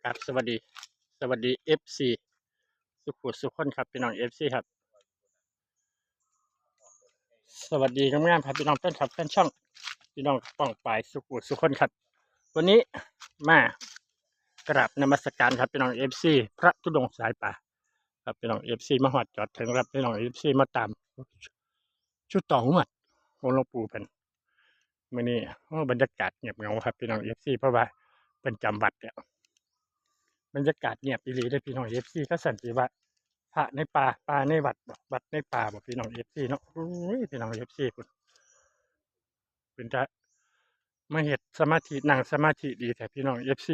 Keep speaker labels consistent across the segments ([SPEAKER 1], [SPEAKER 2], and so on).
[SPEAKER 1] ครับสวัสดีFC สุขุสุขคนครับพี่น้อง FC ครับสวัสดีงามๆครับพี่น้องแฟนคลับแฟนช่องพี่น้องป้องปายสุขุสุขคนครับวันนี้มากราบนมัสการครับพี่น้อง FC พระธุดงค์สายป่าครับพี่น้อง FC มาหอดจอดถึงครับพี่น้อง FC มาตามชุดต่องวดของหลวงปู่เป็นมื้อนี้บรรยากาศเงียบเหงาครับพี่น้อง FC เพราะว่าเป็นจำวัดแล้วบรรยากาศเงียบอีหลีเด้อพี่น้อง FC ก็สันติว่าพระในป่าในวัดบ่วัดในป่าบ่พี่น้อง FC เนาะโอ้ยพี่น้อง FC พุ่นเป็นจะมาเฮ็ดสมาธินั่งสมาธิดีแท้พี่น้อง FC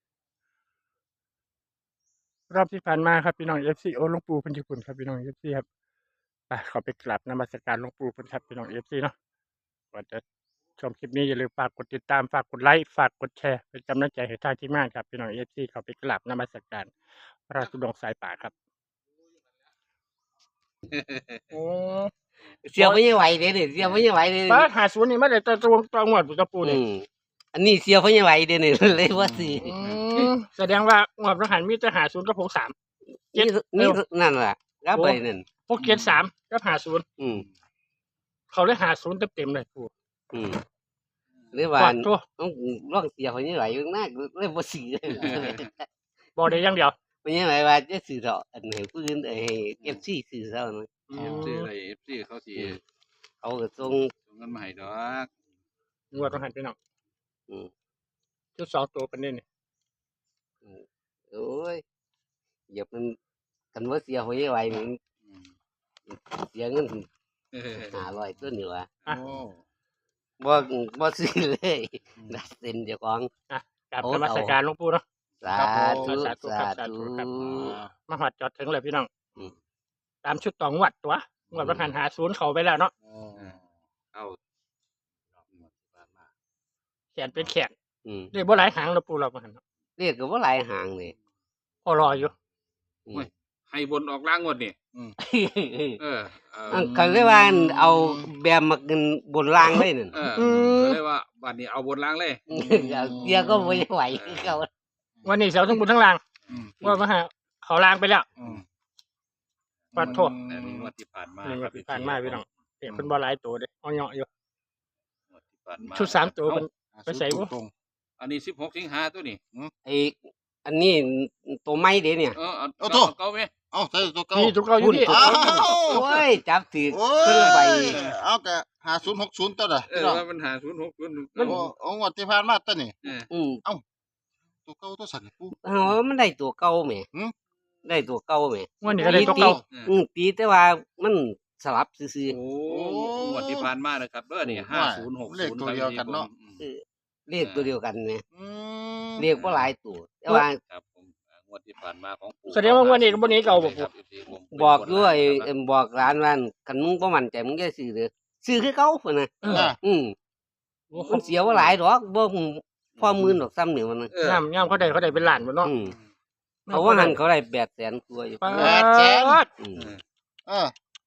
[SPEAKER 1] รอบที่ผ่านมาครับพี่น้อง FC โอ้หลวงปู่เพิ่นอยู่พุ่นครับพี่น้อง FC ครับไปขอไปกราบนมัสการหลวงปู่เพิ่นครับพี่น้อง FC เนาะก่อนจะชมคลิปนี้อย่าลืมฝากกดติดตามฝากกดไลค์ฝากกดแชร์เป็นกำลังใจให้ทางทีมงานครับพี่น้อง FC ขอไปกราบนมัสการพระธุดงค์สายป่าครับโอ้
[SPEAKER 2] เสียไม่ไหวเด้นี่เสียไม่ไหวเด้
[SPEAKER 1] ป้า50นี่มาได้แต่ตัวงวดปู่กับปู่นี่
[SPEAKER 2] อันนี้เสียไม่ไหวเด้นี่เลยว่าสิ
[SPEAKER 1] แสดงว่างวดพระหันมีแต่50กับ63
[SPEAKER 2] นี่นี่นั่นล่ะรับไปนั่น
[SPEAKER 1] 673กับ50เขาเลย50เต็มๆเลยปู่
[SPEAKER 2] หรือว่า
[SPEAKER 1] ขอโทษ
[SPEAKER 2] ต้องร้องเสียไม่ไหวอยู่นักเลยบ่สิ
[SPEAKER 1] บ่ได้อย่างเดียว
[SPEAKER 2] ไม่ไหวว่าจะสื่อเถาะอันให้ผู้อื่นให้ FC สื่อเถาะนะ
[SPEAKER 3] ซื้ออะไรFC เขาสิ
[SPEAKER 2] เขาก็ส่ง
[SPEAKER 3] ส่งเงินมาให้ดอก
[SPEAKER 1] งวดพระหันพี่น้อง
[SPEAKER 2] อืม
[SPEAKER 1] ชุด2ตัวเป็นนี่นี่
[SPEAKER 2] โอ้ยอย่ามันกันว่าเสียไม่ไหวมัน
[SPEAKER 3] อืม
[SPEAKER 2] เสียเงิน
[SPEAKER 3] เออ
[SPEAKER 2] 500ตัวนี่ว่ะ
[SPEAKER 3] โอ้
[SPEAKER 2] บ่ซื้อเลยดัดเส้นเจ้าของ
[SPEAKER 1] กราบนมัสการหลวงปู่เนาะ
[SPEAKER 2] สาธุ
[SPEAKER 1] สาธุค
[SPEAKER 2] สา
[SPEAKER 1] รับสาธุ
[SPEAKER 2] ธุ
[SPEAKER 1] ครับ มาฮอดจอดถึงเลยพี่น้อง
[SPEAKER 2] อืม
[SPEAKER 1] ตามชุดต่องวดตัวงวดพระหัน50เข้าไปแล้วเนาะ
[SPEAKER 3] โอ้เอาหมดที่ผ่านมา
[SPEAKER 1] แขนเป็นแขน
[SPEAKER 2] Ừ.
[SPEAKER 1] ได้บ่หลายหางแล้วปู่เราพระหันเนาะ
[SPEAKER 2] เรียกก็บ่หลายหางนี่
[SPEAKER 1] พอรออยู่
[SPEAKER 3] ให้บนออกล่างงวดนี่เออ
[SPEAKER 2] เขาเรียกว่าเอาแบบมากินบนล่างเลยนั่น
[SPEAKER 3] เออก็เลยว่าบัดนี้เอาบนล่างเลย
[SPEAKER 2] เสียก็บ่ไหวคือเขา
[SPEAKER 1] วันนี้เสาทั้งบนทั้งล่าง
[SPEAKER 3] อืม
[SPEAKER 1] ว่าพระหันเขาล่างไปแล้ว
[SPEAKER 3] อืม
[SPEAKER 1] ขอโทษ
[SPEAKER 3] แต่นี่งวดที่ผ่านมา
[SPEAKER 1] นี่งวดที่ผ่านมาพี่น้องเห็นเพิ่นบ่หลายตัวเด้เอาเหยาะอยู่
[SPEAKER 3] งวดที่ผ่านมา
[SPEAKER 1] ชุด3ตัวเพิ่น ไปใส่บ่
[SPEAKER 3] อันนี้16สิงหาตัวนี่
[SPEAKER 2] ไอ้อันนี้ตัวไม้เด้เนี่ย
[SPEAKER 3] เอาโตเก่าไหม
[SPEAKER 4] เอาใส่ตัวเก่า
[SPEAKER 1] นี่ทุกเขาอยู่นี่
[SPEAKER 4] อ้าว
[SPEAKER 2] โอ้ยจับถือ
[SPEAKER 4] โอ้
[SPEAKER 2] เพิ่นใบ
[SPEAKER 4] ยเอาแต่5060ตัวน่ะ
[SPEAKER 3] เออว่ามันหา060
[SPEAKER 4] โอ้เอางวดที่ผ่านมาตัวนี้
[SPEAKER 2] อืม
[SPEAKER 4] ตัวเก่าตัวสั่นปู
[SPEAKER 2] เฮามันได้ตัวเก่าแหม
[SPEAKER 4] หืม
[SPEAKER 2] ได้ตัวเก่าแหม
[SPEAKER 1] วันนี้ก็ได้ตัวเก่า
[SPEAKER 2] ตีแต่ว่ามันสลับซื่อ
[SPEAKER 3] โอ้งวดที่ผ่านมานะครับเด้อนี่5060
[SPEAKER 4] เลขตัวเดียวกันเนาะ
[SPEAKER 2] ๆเรียกตัวเดียวกันแหม
[SPEAKER 4] อืม
[SPEAKER 2] เรียกบ่หลายตัวแต่ว่า
[SPEAKER 3] ครับผมงวดที่ผ่านมาของปู่
[SPEAKER 1] แสดงว่างวดนี้ก็บ่หนีเก่าบ่ปู่
[SPEAKER 2] บอกด้วยบอกร้านว่าคันมึงบ่มั่นใจมึงอย่าซื้อเด้อซื้อคือเก่าพุ่นน่ะ
[SPEAKER 4] อ่ะ
[SPEAKER 2] มันเสียว่าหลายดอกบ่พอหมื่นดอกซ้ำนี่มันน่ะ
[SPEAKER 1] ย่ำเขาได้เป็นล้านบ่เนาะ
[SPEAKER 2] เขาว่าหันเขาได้800,000กว่าอยู่
[SPEAKER 1] ปาด
[SPEAKER 4] เออ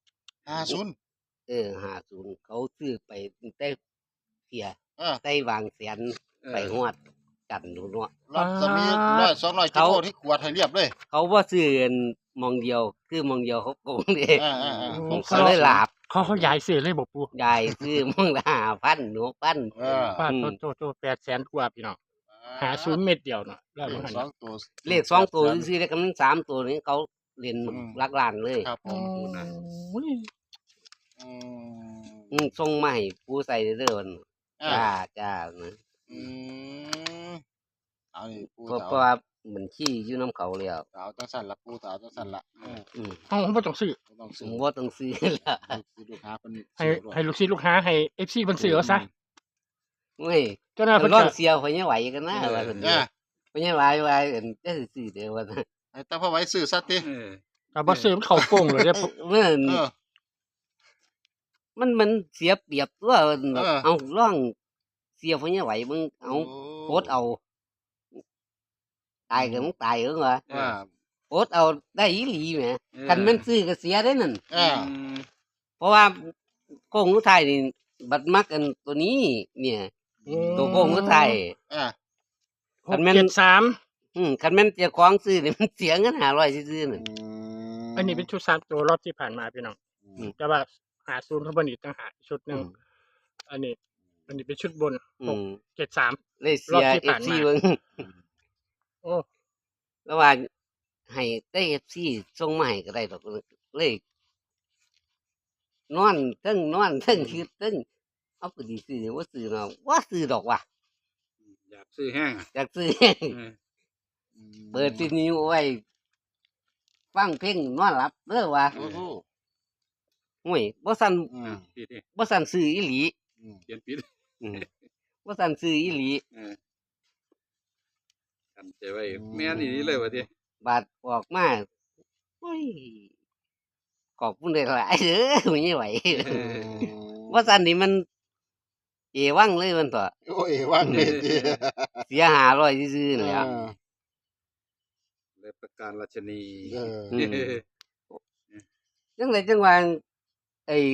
[SPEAKER 4] 50
[SPEAKER 2] 50เขาซื้อไปตั้งแต่เที่ย
[SPEAKER 4] เออ
[SPEAKER 2] ได้วางแสนไปฮอดกันดูเนาะ
[SPEAKER 4] รถจะมี100 200กิโลที่ขวดให้เรียบเลย
[SPEAKER 2] เขาบ่ซื้ออันหมองเดียวคือหมองเดียวเขาโกงเด้
[SPEAKER 4] ๆ
[SPEAKER 2] เขาเลยหลาบ
[SPEAKER 1] เขาย้ายซื้อเลยบ่ปู่
[SPEAKER 2] ยายซื้อหมองละ5,000หนูพัน
[SPEAKER 4] เออ
[SPEAKER 1] ปาดโต800,000กว่าพี่น้อง50เม็ดเดียวเนาะแล้วมัน
[SPEAKER 4] สองตัว
[SPEAKER 2] เลข2ตัวซื้อได้กัน3ตัวนี้เขาเล่นหลักล้านเลย
[SPEAKER 4] ครับผม
[SPEAKER 1] โอ้ย
[SPEAKER 4] อืม
[SPEAKER 2] ส่งมาให้ผู้ใส่เด้อมัน
[SPEAKER 4] อ่า
[SPEAKER 2] จ้านะ
[SPEAKER 4] อืมเอานี่ปู
[SPEAKER 2] เพราะ
[SPEAKER 4] สาว
[SPEAKER 2] เพราะว่าบัญชีอยู่น้ำเขาแล้ว
[SPEAKER 4] สาวจังสั่นละปูสาวจังสั่นละ
[SPEAKER 1] เฮาบ่ต้องซื้อ
[SPEAKER 4] บ่ต้อง
[SPEAKER 2] ผ
[SPEAKER 4] ซื้อ
[SPEAKER 2] มว่าต้องซื้อละ
[SPEAKER 4] ลูกค้าเพิ่น
[SPEAKER 1] ให้ลูกศิษย์ลูกหาให้ FC เพิ่นซื้อเอาซะ
[SPEAKER 2] เว้ย
[SPEAKER 1] เจ้าหน้าเพิ่น
[SPEAKER 2] ร้อ
[SPEAKER 1] ก็
[SPEAKER 2] งเสียวเขาเนี่ยไหวกันนะว่าซั่น
[SPEAKER 4] อ่า
[SPEAKER 2] เขาเนี่ยไหวอันจะซื้อเด้อว่าซั่น
[SPEAKER 4] ให้ตาพ่อไว้ซื้อซะติ
[SPEAKER 1] ก็บ่ซื้อมันเข้าโป่งเลยเด้อ
[SPEAKER 2] มันเสียเปรียบตัว
[SPEAKER 4] เออ
[SPEAKER 2] เอาร้องเสียวเขาเนี่ยไหวมึงเอาโพสเอาตายก็มึงตายเอิ้นว่า
[SPEAKER 4] อ่า
[SPEAKER 2] โพสเอาได้อีหลีแหมคันมันซื้อก็เสียได้นั่น
[SPEAKER 4] อ่า
[SPEAKER 2] เพราะว่าโกงสุดท้ายนี่บัดมักอันตัวนี้เนี่ยตัวโกงสุดท้าย
[SPEAKER 4] อ่า
[SPEAKER 2] คันแม่น
[SPEAKER 1] 673
[SPEAKER 2] คันแม่นเจ้าของซื้อนี่มันเสียเงิน500ซื่อๆนั่น
[SPEAKER 1] อันนี้เป็นชุด3ตัวรอบที่ผ่านมาพี่น้อง
[SPEAKER 2] อืม
[SPEAKER 1] แต่ว่า50เพิ่นบ่นี่ต่างหากอีกชุดหนึงอันนี้เป็นชุดบน
[SPEAKER 2] อืม
[SPEAKER 1] 673
[SPEAKER 2] เลยเสี
[SPEAKER 1] รอบ
[SPEAKER 2] ย
[SPEAKER 1] ที่ผ่าน
[SPEAKER 2] FC
[SPEAKER 1] มา
[SPEAKER 2] เบิ่ง
[SPEAKER 1] โอ้
[SPEAKER 2] แล้วว่าให้ได้ FC ส่งมาให้ก็ได้ดอกเลยนอนเทิงคิดเทิงเอาก็สิซื้อบ่ซื้อเนาะบ่ซื้อดอกว่ะ
[SPEAKER 3] อยากซื้อแห้งอะ
[SPEAKER 2] อยากซื้อ
[SPEAKER 3] เออ
[SPEAKER 2] เปิดที่นิ้วไว้ฟังเพลงนอนหลับเด้อว่า
[SPEAKER 4] โอ้โห
[SPEAKER 2] โอ้ยบ่สั่น
[SPEAKER 3] พี่ที่
[SPEAKER 2] บ่สั่นซื้ออีหลี
[SPEAKER 3] เขียนผิด
[SPEAKER 2] อืมบ่สั่นซื้ออีหลี
[SPEAKER 3] เออทำใจไว้แม่นอีนี้เลยวะที่
[SPEAKER 2] บาดออกมาโอ้ยขอบคุณหลายๆเด้อไม่ไหวว่าซั่นนี่มันเอวังเลยมันตัว
[SPEAKER 4] โอ้ยว่างเลยที
[SPEAKER 2] เสีย500ซื่อๆนั่นแหละ
[SPEAKER 3] เลยประการราชนี
[SPEAKER 4] เออ
[SPEAKER 2] อืม จังไดจังว่าไอ้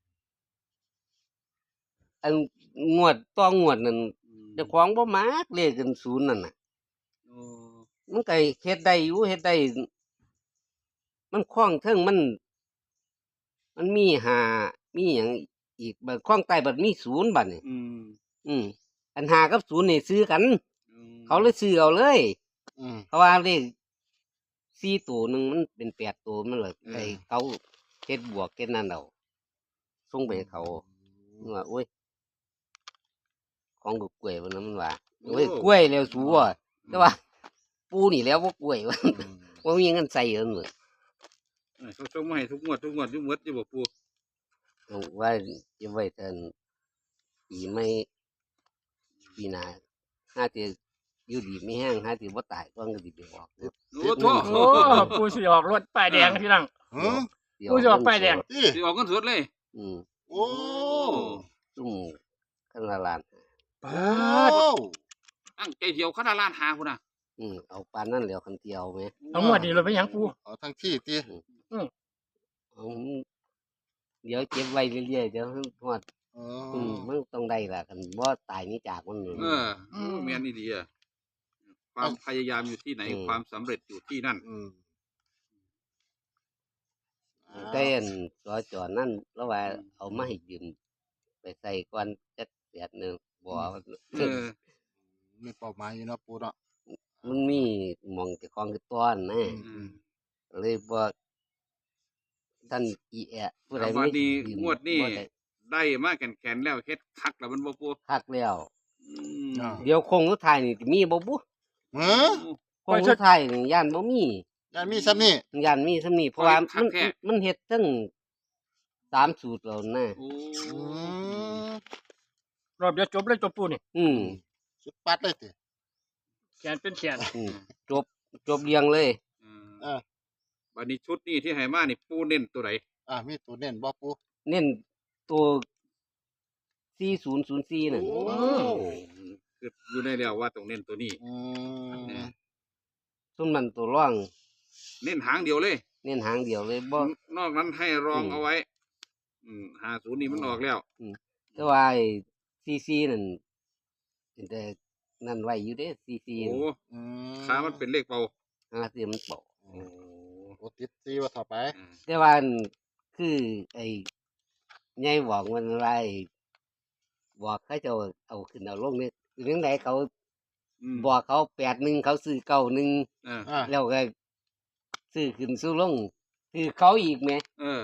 [SPEAKER 2] อันงวดต่องวดนั่นเจ้าของบ่มักเลขกันศูนย์นั่นน่ะ
[SPEAKER 3] โอ้
[SPEAKER 2] มันก็เฮ็ดได้อยู่เฮ็ดได้มันคล้องเทิงมันมี5มีหยังอีกบัดคล้องใต้บัดมี0บัดนี่
[SPEAKER 3] อืม
[SPEAKER 2] อัน5กับ0นี่ซื้อกัน
[SPEAKER 3] อืม
[SPEAKER 2] เขาเลยซื้อเอาเลย
[SPEAKER 4] อืม
[SPEAKER 2] เพราะว่าเลข4ตัวหนึงมันเป็น8ตัวมันเลยไอ้เขาเฮ็ดบวกเฮ็ดนั่นเอาส่งไปให้เขามันว่าโอ้ยของกูกล้วยวันนั้นมันว่าโอ้ยกล้วยแล้วสูอ่ะแต่ว่า ปูนี่แล้วบ่กล้วยว่าบ่มีเงินใส่เอิ้นเลย
[SPEAKER 3] เขาส่งมาให้ทุกงวดอยู่หมดอยู่บ่ปู
[SPEAKER 2] เอาว่าจะไว้เทินปีไม่ปีหน้าห้าจะอยู่ดีไม่แห้งห้าจะบ่ตายก่อนก็สิไปออกรถ
[SPEAKER 3] โอ้โถ
[SPEAKER 1] โอ้ปูสิออกรถป้ายแดงพี่น้อง
[SPEAKER 4] เออ
[SPEAKER 2] สิ
[SPEAKER 1] ผู้สิออกป้ายแดง
[SPEAKER 4] ที่
[SPEAKER 3] สิออกเงินสดเลย
[SPEAKER 2] อืม
[SPEAKER 4] โอ้
[SPEAKER 2] ซุ่มคันละล้าน
[SPEAKER 4] โอ้
[SPEAKER 3] ตั้งใจเดียวขนาดล้านหาพุ่นน่ะ
[SPEAKER 2] เอาปานนั้นแล้วคันเดียวแหม
[SPEAKER 1] เอางวดนี้เราไปหยังปู
[SPEAKER 4] เอาทั้งที่ที่
[SPEAKER 2] เอาเดี๋ยวเก็บไว้เรื่อยๆเดี๋ยวฮอด
[SPEAKER 4] เอ
[SPEAKER 2] มันต้องได้ล่ะคันบ่ตายหนี้จากมันนี่
[SPEAKER 3] เออโอ้แม่นนี่ดีอ่ะความพยายามอยู่ที่ไหนความสำเร็จอยู่ที่นั่น
[SPEAKER 4] อืม
[SPEAKER 2] แต่อันสจนั่นแล้วว่าเอามาให้ยืมไปใส่ก่อนจักแสนหนึงบ่ว่า
[SPEAKER 3] เออ
[SPEAKER 4] มีเป้าหมายอยู่เนาะปูเนาะ
[SPEAKER 2] มันมีหมองเจ้าของคือต้อนนะ
[SPEAKER 3] อืม
[SPEAKER 2] เลยบ่ท่านอีแอะผู้ใด
[SPEAKER 3] วัน
[SPEAKER 2] มี
[SPEAKER 3] นี้
[SPEAKER 2] ยืม
[SPEAKER 3] งวดนี้
[SPEAKER 2] บ่ได้
[SPEAKER 3] ได้มาแก่นๆแล้วเฮ็ดคักแล้วมันบ่ปู
[SPEAKER 2] คักแล้ว
[SPEAKER 3] อืม
[SPEAKER 2] เดี๋ยวคงสุดท้ายนี่สิมีบ่บุ
[SPEAKER 4] เออ
[SPEAKER 2] คงสุดท้ายนี่ย่านบ่มี
[SPEAKER 4] ยังมีซ้ำนี่
[SPEAKER 2] ย่านมีส่ำนี้เพราะว่ามันเฮ็ดทั้ง3สูตรแล้วนะ
[SPEAKER 3] โอ้
[SPEAKER 4] อืม
[SPEAKER 1] รอบเดียวจบเลยจบปูนี่
[SPEAKER 2] อืม
[SPEAKER 4] สุดปัดเลยติ
[SPEAKER 1] แขนเป็นแขน
[SPEAKER 2] อืมจบเรียงเลย
[SPEAKER 4] เออ
[SPEAKER 3] บัดนี้ชุดนี้ที่ให้มานี่ปูเน้นตัวไหน
[SPEAKER 4] มีตัวเน้นบ่ปู
[SPEAKER 2] เน้นตัว4004นั่น
[SPEAKER 3] คืออยู่ในแล้วว่าต้องเน้นตัวนี้
[SPEAKER 4] อืม
[SPEAKER 2] ซุ่มนั้นตัวร่อง
[SPEAKER 3] เน้นหางเดียวเลย
[SPEAKER 2] เน้นหางเดียวเลยบ่
[SPEAKER 3] นอกนั้นให้รองเอาไว้ 50นี่มันออกแล้ว
[SPEAKER 2] แต่ว่าไอ้ซีนั่นเป็นแต่นั่นไว้อยู่เด้ซี
[SPEAKER 3] โอ้
[SPEAKER 4] อืม
[SPEAKER 3] ขามันเป็นเลขเป่า
[SPEAKER 2] หาเสียมันเปา
[SPEAKER 3] โอ้
[SPEAKER 4] โอ้ติดซีว่าต่อไป
[SPEAKER 2] แต่ว่าอันคือไอ้ยายบอกมันว่าไอ้บอกเขาเจะเอาขึ้นเอาลงนี่เรื่องไหนเขา
[SPEAKER 3] ม
[SPEAKER 2] บอกเขา81เขาซื้อ91
[SPEAKER 3] อ่า
[SPEAKER 2] แล้วก็ซื้อขึ้นซื้อลงคือเขาอีกแหม
[SPEAKER 3] เออ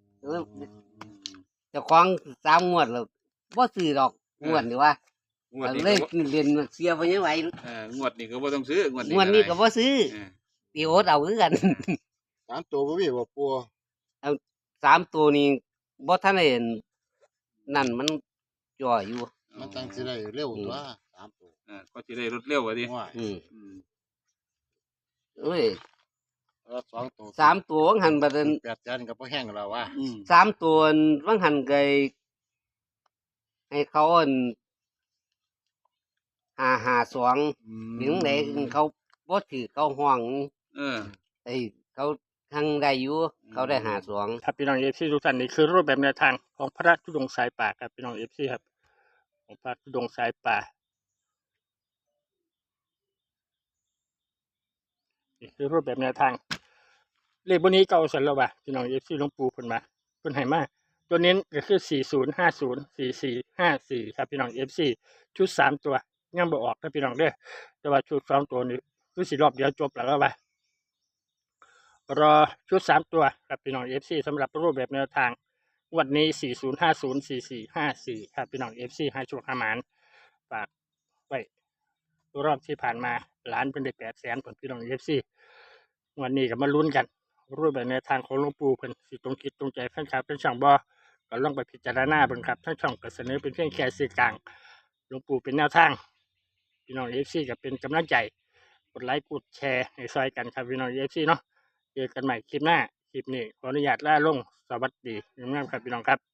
[SPEAKER 2] เจ้าของ3งวดแล้วบ่ซื้อดอกงวดนี่ว่า
[SPEAKER 3] งวดนี้
[SPEAKER 2] เลย
[SPEAKER 3] ก็บ่
[SPEAKER 2] เรียนเสียบ่ยังไหว
[SPEAKER 3] งวดนี้ก็บ่ต้องซื้องวดนี้
[SPEAKER 2] งวดนี้ก็บ่ซื้อ
[SPEAKER 3] เออ
[SPEAKER 2] ตีโอดเอาคือกัน
[SPEAKER 4] 3ตัวบ่มีบ่ปู
[SPEAKER 2] 3ตัวนี้บ่ทันได้เห็นนั่นมันจ่ออยู่
[SPEAKER 4] มันจังสิได้เร็วตัว3ตัว
[SPEAKER 3] ก็สิได้รถเร็วว่าดิ
[SPEAKER 4] ว่า
[SPEAKER 2] อืม
[SPEAKER 3] อืม
[SPEAKER 2] เอ้ย
[SPEAKER 4] 2ตัว
[SPEAKER 2] 3ตัววังหันบัดนั้น
[SPEAKER 4] 8จันก็บ่แห้งแล้วว่า
[SPEAKER 3] อืม
[SPEAKER 2] 3ตัววังหันไกให้เขาอัน552ถึงไหนเขาบ่ถือเขาห้อง
[SPEAKER 3] เออ
[SPEAKER 2] ไอ้เขาทางได้อยู่เขาได้52
[SPEAKER 1] ครับพี่น้องเอฟซีทุกท่านนี่คือรูปแบบแนวทางของพระธุดงค์สายป่าครับพี่น้องเอฟซีครับของพระธุดงค์สายป่านี่คือรูปแบบแนวทางเลขบนนี้เก่าสันแล้วว่ะพี่น้องเอฟซีหลวงปู่เพิ่นมาเพิ่นให้มาตัวเน้นก็คือ40504454ครับพี่น้องเอฟซีชุด3ตัวยังบ่ออกนะพี่น้องเด้อแต่ว่าชุด2ตัวนี้คือสิรอบเดียวจบแล้วว่ะรอชุด3ตัวครับพี่น้องเอฟซีสำหรับรูปแบบแนวทางวันนี้40504454ครับพี่น้องเอฟซีให้โชคให้หมานฝากไว้รอบที่ผ่านมาล้านเพิ่นได้800,000ผลพี่น้องเอฟซีวันนี้ก็มาลุ้นกันรูปแบบแนวทางของหลวงปู่เพิ่นสิตรงคิดตรงใจแฟนคลับเป็นช่างบ่ก็ลองไปพิจารณาเบิ่งครับทั้งช่องก็เสนอเป็นเพียงแค่สื่อกลางหลวงปู่เป็นแนวทางพี่น้องเอฟซีก็เป็นกำลังใจกดไลค์กดแชร์ให้ซอยกันครับพี่น้องเอฟซีเนาะเจอกันใหม่คลิปหน้าคลิปนี้ขออนุญาตลาลงสวัสดีงามๆครับพี่น้องครับ